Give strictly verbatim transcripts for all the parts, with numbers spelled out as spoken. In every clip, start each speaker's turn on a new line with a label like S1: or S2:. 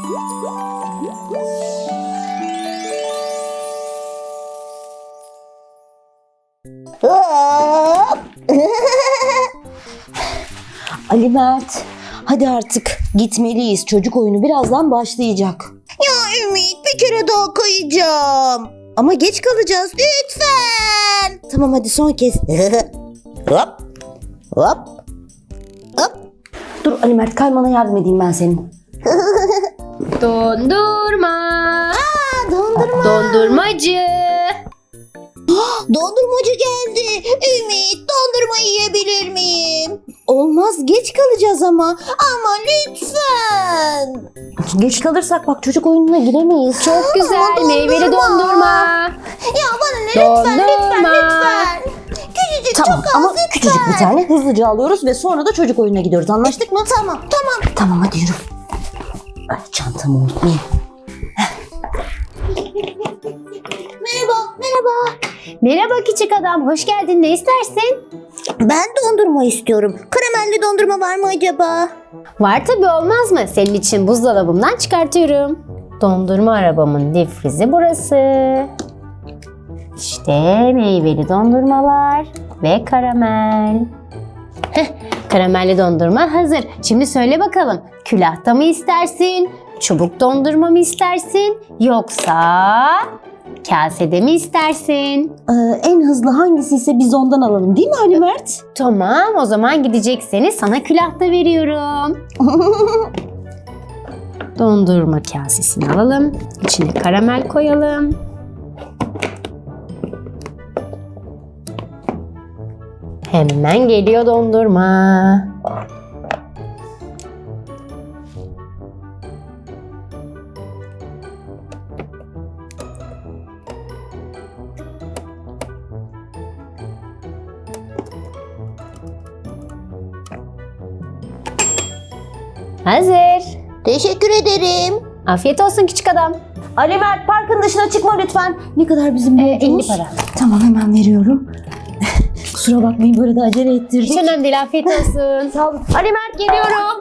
S1: Ali Mert, hadi artık gitmeliyiz. Çocuk oyunu birazdan başlayacak.
S2: Ya Ümit, bir kere daha kayacağım.
S1: Ama geç kalacağız.
S2: Lütfen.
S1: Tamam hadi son kez.
S2: Hop. Hop. Hop.
S1: Dur Ali Mert, kaymana yardım edeyim ben senin.
S3: Dondurma.
S2: Aa, dondurma.
S3: Dondurmacı.
S2: Dondurmacı geldi. Ümit, dondurma yiyebilir miyim?
S1: Olmaz, geç kalacağız ama.
S2: Ama lütfen.
S1: Geç kalırsak bak çocuk oyununa giremeyiz.
S3: Çok güzel
S2: dondurma.
S3: meyveli dondurma.
S2: Ya bana ne lütfen, lütfen,
S3: Dondurma.
S2: lütfen. Küçücük,
S1: Tamam
S2: çok az
S1: ama
S2: lütfen.
S1: küçücük bir tane hızlıca alıyoruz ve sonra da çocuk oyununa gidiyoruz. Anlaştık mı?
S2: Tamam, tamam.
S1: Tamam hadi yürü. Ay, çantamı unutmayayım.
S2: Merhaba, merhaba.
S3: Merhaba küçük adam, hoş geldin. Ne istersin?
S2: Ben dondurma istiyorum. Karamelli dondurma var mı acaba?
S3: Var tabii, olmaz mı? Senin için buzdolabımdan çıkartıyorum. Dondurma arabamın difrizi burası. İşte meyveli dondurmalar ve karamel. Heh, karamelli dondurma hazır. Şimdi söyle bakalım, külahta mı istersin? Çubuk dondurma mı istersin? Yoksa kasede mi istersin?
S1: Ee, en hızlı hangisi ise biz ondan alalım değil mi Ali Mert?
S3: Tamam, o zaman gidecekseniz sana külahta veriyorum. Dondurma kasesini alalım. İçine karamel koyalım. Hemen geliyor dondurma. Hazır.
S2: Teşekkür ederim.
S3: Afiyet olsun küçük adam.
S1: Ali Mert, parkın dışına çıkma lütfen. Ne kadar bizim
S3: Ee,
S1: borcumuz?
S3: elli para.
S1: Tamam hemen veriyorum. Kusura bakmayın böyle de acele ettirdik.
S3: Hiç önemli değil, afiyet olsun.
S1: Sağ olun. Ali Mert geliyorum.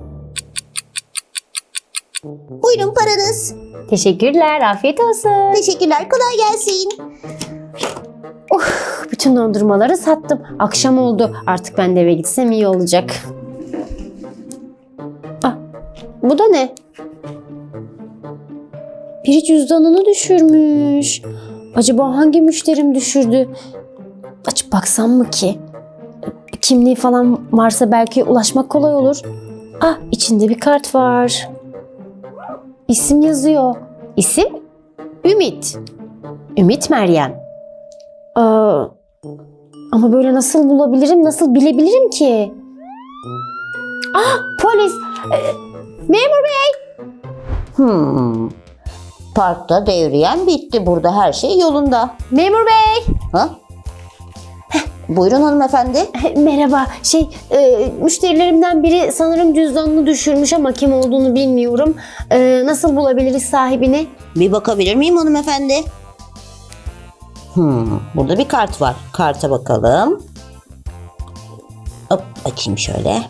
S2: Buyurun paranız.
S3: Teşekkürler, afiyet olsun.
S2: Teşekkürler, kolay gelsin.
S3: Bütün dondurmaları sattım. Akşam oldu. Artık ben de eve gitsem iyi olacak. Ah, bu da ne? Biri cüzdanını düşürmüş. Acaba hangi müşterim düşürdü? Açıp baksam mı ki? Kimliği falan varsa belki ulaşmak kolay olur. Ah, içinde bir kart var. İsim yazıyor. İsim? Ümit. Ümit Meryem. Aa, ama böyle nasıl bulabilirim, nasıl bilebilirim ki? Ah, polis! Ee, memur bey!
S2: Hmm. Parkta devriyen bitti. Burada her şey yolunda.
S3: Memur bey!
S2: Ha? Buyurun hanımefendi.
S3: Merhaba, şey, e, müşterilerimden biri sanırım cüzdanını düşürmüş ama kim olduğunu bilmiyorum. E, nasıl bulabiliriz sahibini?
S2: Bir bakabilir miyim hanımefendi? Hmm, burada bir kart var. Karta bakalım. Hop, açayım şöyle.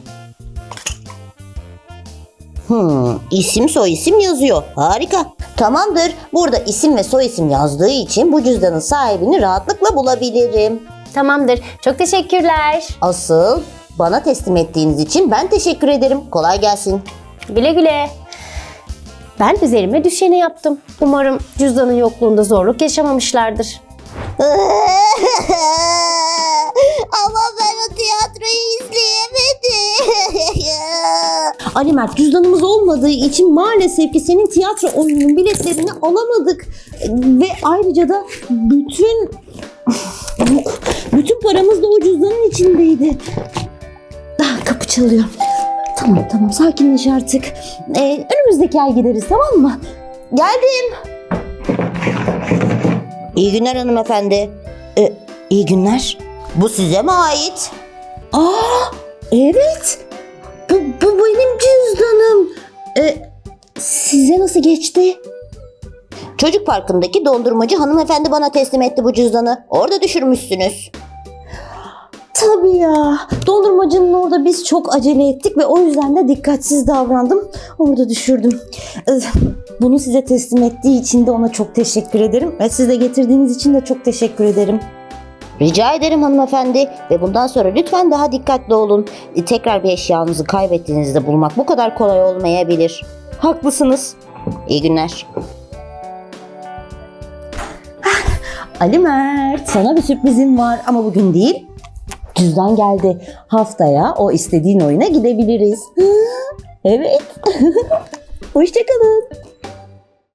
S2: Hmm, isim soy isim yazıyor. Harika. Tamamdır. Burada isim ve soy isim yazdığı için bu cüzdanın sahibini rahatlıkla bulabilirim.
S3: Tamamdır, çok teşekkürler.
S2: Asıl bana teslim ettiğiniz için ben teşekkür ederim. Kolay gelsin.
S3: Güle güle. Ben üzerime düşeni yaptım. Umarım cüzdanın yokluğunda zorluk yaşamamışlardır.
S2: Ama ben o tiyatroyu izleyemedim.
S1: Ali Mert, cüzdanımız olmadığı için maalesef ki senin tiyatro oyununun biletlerini alamadık. Ve ayrıca da bütün bütün paramız da o cüzdanın içindeydi. Ah, kapı çalıyor. Tamam tamam sakinleş artık. Ee, önümüzdeki ay gideriz, tamam mı?
S2: Geldim. İyi günler hanımefendi.
S1: Ee, iyi günler.
S2: Bu size mi ait?
S1: Aa, evet. Bu, bu benim cüzdanım. Ee, size nasıl geçti?
S2: Çocuk parkındaki dondurmacı hanımefendi bana teslim etti bu cüzdanı. Orada düşürmüşsünüz.
S1: Tabii ya. Dondurmacının orada biz çok acele ettik ve o yüzden de dikkatsiz davrandım. Orada düşürdüm. Ee, Bunu size teslim ettiği için de ona çok teşekkür ederim. Ve siz de getirdiğiniz için de çok teşekkür ederim.
S2: Rica ederim hanımefendi ve bundan sonra lütfen daha dikkatli olun. E, Tekrar bir eşyanızı kaybettiğinizde bulmak bu kadar kolay olmayabilir.
S1: Haklısınız.
S2: İyi günler.
S1: Ali Mert, sana bir sürprizim var ama bugün değil. Cüzdan geldi. Haftaya o istediğin oyuna gidebiliriz. Evet. Hoşçakalın.